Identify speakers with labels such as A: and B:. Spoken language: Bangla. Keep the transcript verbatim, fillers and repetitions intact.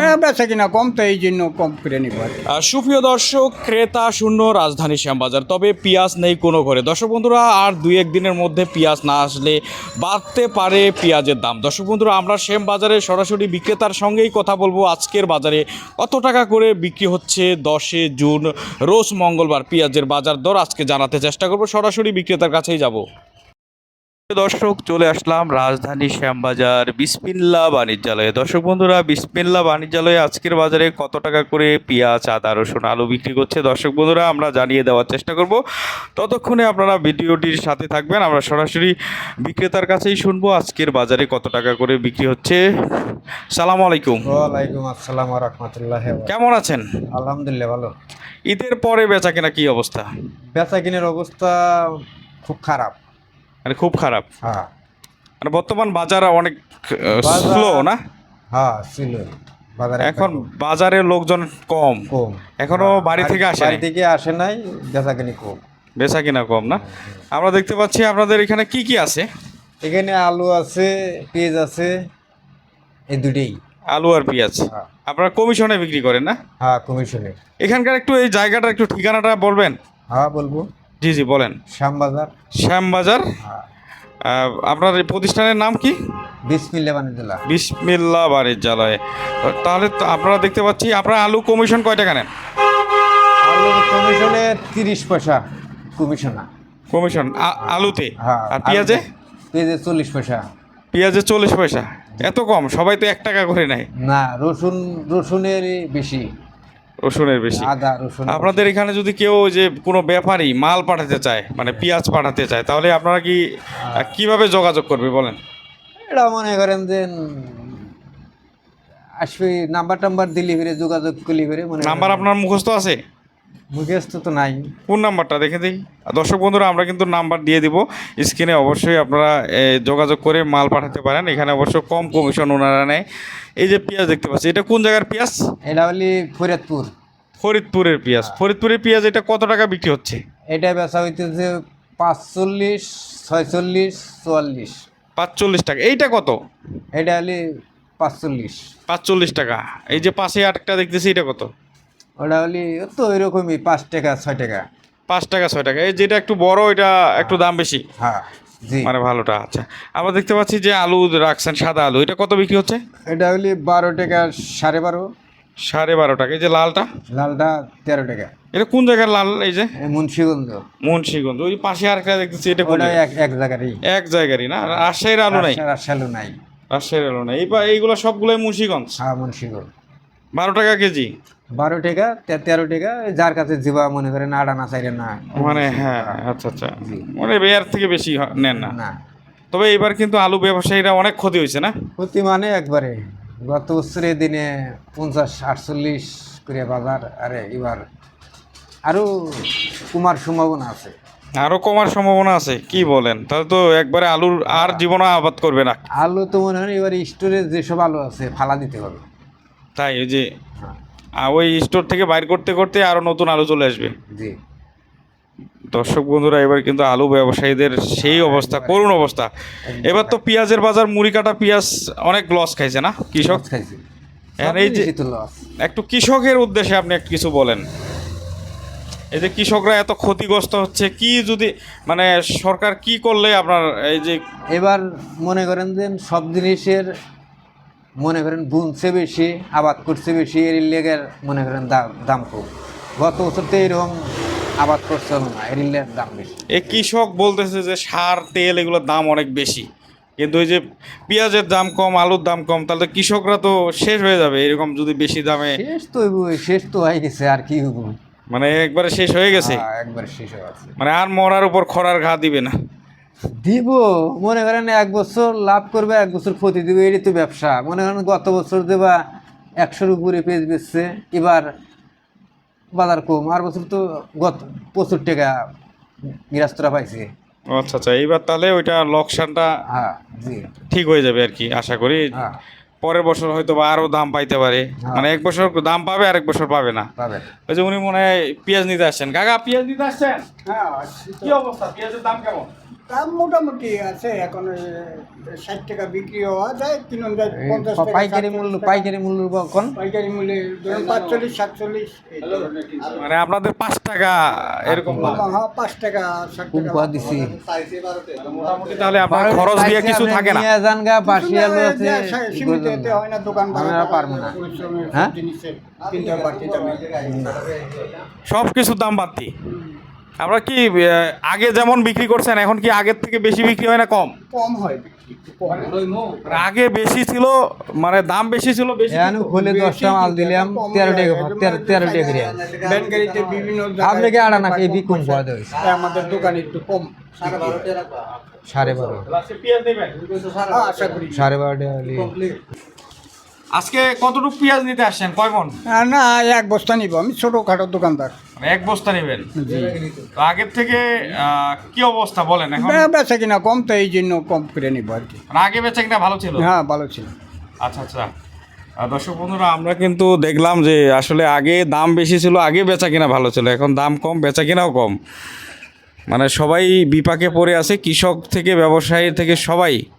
A: বেচা কিনা কম, তো এই জন্য কম করে নিব।
B: আহ, সুপ্রিয় দর্শক, ক্রেতা শূন্য রাজধানী শ্যামবাজার, তবে পেঁয়াজ নেই কোনো ঘরে। দর্শক বন্ধুরা, আর দুই এক দিনের মধ্যে পেঁয়াজ না আসলে বাড়তে পারে পেঁয়াজের দাম। দর্শক বন্ধুরা, আমরা শ্যামবাজারে সরাসরি বিক্রেতার সঙ্গেই কথা বলবো আজকের বাজারে কত টাকা করে বিক্রি হচ্ছে। দশে জুন রোজ মঙ্গলবার পেঁয়াজের বাজার দর আজকে জানাতে চেষ্টা করব, সরাসরি বিক্রেতার কাছেই যাব। দর্শক, চলে আসলাম রাজধানী শ্যামবাজার বিসমিল্লাহ বাণিজ্যালয়ে। দর্শক বন্ধুরা, বিসমিল্লাহ বাণিজ্যালয়ে আজকের বাজারে কত টাকা করে পেঁয়াজ, আদা, রসুন, আলু বিক্রি করছে দর্শক বন্ধুরা আমরা জানিয়ে দেওয়ার চেষ্টা করব। ততক্ষণে আপনারা ভিডিওটির সাথে থাকবেন, আমরা সরাসরি বিক্রেতার কাছেই শুনবো আজকের বাজারে কত টাকা করে বিক্রি হচ্ছে। সালাম আলাইকুম।
C: ওয়ালাইকুম আসসালাম ওয়া রাহমাতুল্লাহি ওয়া বারাকাতুহু।
B: কেমন আছেন?
C: আলহামদুলিল্লাহ ভালো।
B: ঈদের পরে বেচা কেনা কি অবস্থা?
C: বেচা কিনের অবস্থা খুব খারাপ।
B: মানে খুব খারাপ।
C: হ্যাঁ
B: মানে বর্তমান বাজার অনেক
C: বাজার-
B: স্লো না?
C: হ্যাঁ ছিল বাজারে
B: এখন বাজারে লোকজন কম,
C: কম,
B: এখনো বাড়ি থেকে আসে
C: বাড়ি
B: নাই।
C: থেকে আসে নাই, বেচা কিনি কম।
B: বেচা কিনা কম না? আমরা দেখতে পাচ্ছি আপনাদের এখানে কি কি আছে?
C: এখানে আলু আছে, পেঁয়াজ আছে, এই দুটেই।
B: আলু আর পেঁয়াজ।
C: হ্যাঁ।
B: আপনারা কমিশনে বিক্রি করেন না?
C: হ্যাঁ কমিশনে।
B: এখানকার একটু এই জায়গাটা একটু ঠিকানাটা বলবেন?
C: হ্যাঁ বলবো,
B: জি জি বলেন।
C: শ্যামবাজার।
B: শ্যামবাজার।
C: হ্যাঁ
B: আহ, আপনার এই প্রতিষ্ঠানের নাম কি?
C: বিসমিল্লাহ বাণিজ্যালয়।
B: বিসমিল্লাহ বাণিজ্যালয়। তাহলে তো আপনারা দেখতে পাচ্ছি আপনারা আলু কমিশন কয় টাকা নেন?
C: আলু কমিশনে তিরিশ পয়সা কমিশন।
B: কমিশন আ- আলুতে?
C: হ্যাঁ
B: আর পেঁয়াজে?
C: পেঁয়াজে চল্লিশ পয়সা।
B: পেঁয়াজে চল্লিশ পয়সা? এত কম? সবাই তো এক টাকা করে নেয়।
C: না, রসুন রসুনের বেশি,
B: রসুনের বেশি।
C: আদা রসুন।
B: আপনাদের এখানে যদি কেউ যে কোনো ব্যাপারী মাল পাঠাতে চায়, মানে পেঁয়াজ পাঠাতে চায়, তাহলে আপনারা কি আহ, কিভাবে যোগাযোগ করবে বলেন?
C: এটা মনে করেন যে আসবে নাম্বার টাম্বার দিলি ফিরে যোগাযোগ করলি ফিরে মনে
B: নাম্বার আপনার মুখস্থ আছে?
C: মুখস্থ তো নাই।
B: কোন নাম্বারটা দেখে দিই। দর্শক বন্ধুরা, আমরা কিন্তু নাম্বার দিয়ে দিব স্ক্রিনে, অবশ্যই আপনারা এ, যোগাযোগ করে মাল পাঠাতে পারেন। এখানে অবশ্য কম কমিশন ওনারা নেয়। এই যে পেঁয়াজ দেখতে পাচ্ছি, এটা কোন জায়গার পেঁয়াজ?
C: এটা হলি ফরিদপুর।
B: ফরিদপুরের পেঁয়াজ। ফরিদপুরের পেঁয়াজ এটা কত টাকা বিক্রি হচ্ছে?
C: এটা বেচা হইতেছে পাঁচচল্লিশ, ছয়চল্লিশ, চুয়াল্লিশ।
B: পাঁচচল্লিশ টাকা। এইটা কত?
C: এটা হলি পাঁচচল্লিশ।
B: পাঁচচল্লিশ টাকা। এই যে পাশে আটটা দেখতেছি, এটা কত?
C: ওটা হলি তো ওইরকমই, পাঁচ টাকা ছয় টাকা।
B: পাঁচ টাকা ছয় টাকা। এই যেটা একটু বড়, এটা একটু দাম বেশি,
C: হ্যাঁ জি।
B: মানে ভালোটা। আচ্ছা, আমরা দেখতে পাচ্ছি যে আলু রাখছেন, সাদা আলু, এটা কত বিক্রি হচ্ছে?
C: এটা হলি বারো টাকা, সাড়ে বারো।
B: সাড়ে বারো টাকা। এই যে লালটা,
C: লালটা তেরো টাকা।
B: এটা কোন জায়গার লাল? এই যে
C: এ মুন্সিগঞ্জ।
B: মুন্সিগঞ্জ। ওই পাশে আর একটা দেখতেছি, এটা কোন
C: ওটা
B: জায়গায়?
C: এক এক জায়গারই।
B: এক জায়গারই না? রাজশাহীর আলু নাই?
C: রাজশাহী নাই।
B: রাজশাহীর আলু নাই। এই পা- এইগুলো সবগুলোই মুন্সিগঞ্জ।
C: হ্যাঁ মুন্সিগঞ্জ।
B: বারো টাকা কেজি।
C: বারো টাকা, তে- তেরো টাকা, যার কাছে যাবা মনে করেন আড়া না চাইরে না।
B: মানে হ্যাঁ, আচ্ছা আচ্ছা, মানে এর থেকে বেশি হ- নেন না?
C: না
B: তবে এবার কিন্তু আলু ব্যবসায়ীরা অনেক ক্ষতি হয়েছে না?
C: প্রতি মানে একবারে গত বছরের দিনে পঞ্চাশ আটচল্লিশ করে বাজার। আরে এবার আরো কুমার সম্ভাবনা আছে।
B: আরো কমার সম্ভাবনা আছে? কি বলেন? তাহলে তো একবারে আলুর আর জীবনে আবাদ করবে না।
C: আলু তো মনে হয় এবার স্টোরে যেসব আলু আছে ফালা দিতে হবে।
B: তাই ওই যে
C: হ্যাঁ
B: আহ, ওই স্টোর থেকে বাইর করতে করতে আরো নতুন আলু চলে আসবে।
C: জি।
B: দর্শক বন্ধুরা, এবার কিন্তু আলু ব্যবসায়ীদের সেই অবস্থা, করুণ অবস্থা। এবার তো পেঁয়াজের বাজার, মুড়ি কাটা পেঁয়াজ অনেক লস খাইছে না কৃষক?
C: লস খাইছি।
B: আর এই যে
C: সবই তো লস।
B: একটু কৃষকের উদ্দেশ্যে আপনি একটু কিছু বলেন। এই যে কৃষকরা এত ক্ষতিগ্রস্ত হচ্ছে, কি যদি মানে সরকার কি করলে আপনার এই যে
C: এবার মনে করেন যে সব জিনিসের মনে করেন বুনছে বেশি, আবাদ করছে বেশি, এর লেগের মনে করেন দাম দাম কম। গত বছর তো এরকম আবাদ করছিল না, এর লেগের দাম বেশি।
B: এই কৃষক বলতেছে যে সার তেল এগুলোর দাম অনেক বেশি, কিন্তু ওই যে পেঁয়াজের দাম কম, আলুর দাম কম, তাহলে কৃষকরা তো শেষ হয়ে যাবে এরকম যদি বেশি দামে।
C: শেষ তো হইবই, শেষ তো হয়ে গেছে, আর কি হইব?
B: মানে একবারে শেষ হয়ে গেছে,
C: হ্যাঁ, একবার শেষ হয়ে গেছে।
B: মানে আর মরার উপর খরার ঘা দিবে না।
C: দিব মনে করেন এক বছর লাভ করবে, এক বছর ক্ষতি দিবে, এটাই তো ব্যবসা। মনে করেন গত বছর দেবা একশোর উপরে পেজ বেচছে, এবার বাজার কম, আর বছর তো গত প্রচুর টাকা গৃহস্থরা পাইছে।
B: ও আচ্ছা আচ্ছা, এইবার তাহলে ওইটা লোকসানটা
C: হ্যাঁ জি।
B: ঠিক হয়ে যাবে আর কি, আশা করি।
C: হ্যাঁ
B: পরের বছর হয়তো বা আরও দাম পাইতে পারে, মানে এক বছর দাম পাবে আর এক বছর পাবে না।
C: পাবেন।
B: ওই যে উনি মনে হয় পেঁয়াজ নিতে আসছেন। কাকা পেঁয়াজ নিতে আসছেন? কি অবস্থা, পেঁয়াজের দাম কেমন?
A: দাম মোটামুটি আছে এখন এ, ষাট টাকা বিক্রি হওয়া যায় কিনুন যায়
C: এই
A: পঞ্চাশ টাকা
C: পাইকারি
A: সাতচল্লিশ
C: মূল্য
A: টাকা।
C: পাইকারি মূল্য কোন
A: পাইকারি মূল্যে ধরুন পাঁচচল্লিশ সাতচল্লিশ এই ধরনের কিনতে হয়।
B: মানে আপনাদের পাঁচ টাকা এরকম বলে।
A: হ্যাঁ পাঁচ টাকা ষাট
C: খুব
A: টাকা
C: কয়া দিছি
B: মোটামুটি তাহলে আপনার খরচ দিয়ে কিছু থাকে না।
C: নিয়ে যান গা বাসি আলু আছে
A: সীমিত এতে হয় না দোকান ভাড়া
C: আমরা পারবো না।
A: পরিশ্রমের
C: হ্যাঁ?
A: জিনিসের কিনতে হয় বাড়তি দামে।
B: সব কিছুর দাম বাড়তি। আমরা কি আহ, আগে যেমন বিক্রি করছেন এখন কি আগের থেকে বেশি বিক্রি হয় না কম?
A: কম হয় বিক্রি, একটু কম হয়।
B: মানে আগে বেশি ছিল, মানে দাম বেশি ছিল বেশি
C: এখন খুলে দশটা মাল দিলাম তেরো টাকা তেরো তেরো টাকা করে
A: ভ্যান গাড়িতে বিভিন্ন
C: আপনি কি আড়া নাকি বি কম করে দেবে
A: আমাদের দোকানে একটু কম
C: সাড়ে বারো
A: হ্যাঁ, আশা করি
C: সাড়ে বারো টাকা হলে
B: আজকে কতটুকু পেঁয়াজ নিতে আসছেন, কয় মন?
A: আহ, না এক বস্তা নিব, আমি ছোটখাটো দোকানদার।
B: মানে এক বস্তা নেবেন। তো আগের থেকে আহ, কি অবস্থা বলেন এখন?
A: বে- বেচা কিনা কম তো এই জন্য কম করে নিব আর কি।
B: মানে আগে বেচা কিনা ভালো ছিল?
A: হ্যাঁ ভালো ছিল।
B: আচ্ছা আচ্ছা। আহ, দর্শক বন্ধুরা, আমরা কিন্তু দেখলাম যে আসলে আগে দাম বেশি ছিল, আগে বেচা কিনা ভালো ছিল, এখন দাম কম, বেচা কিনাও কম। মানে সবাই বিপাকে পড়ে আছে, কৃষক থেকে ব্যবসায়ী থেকে সবাই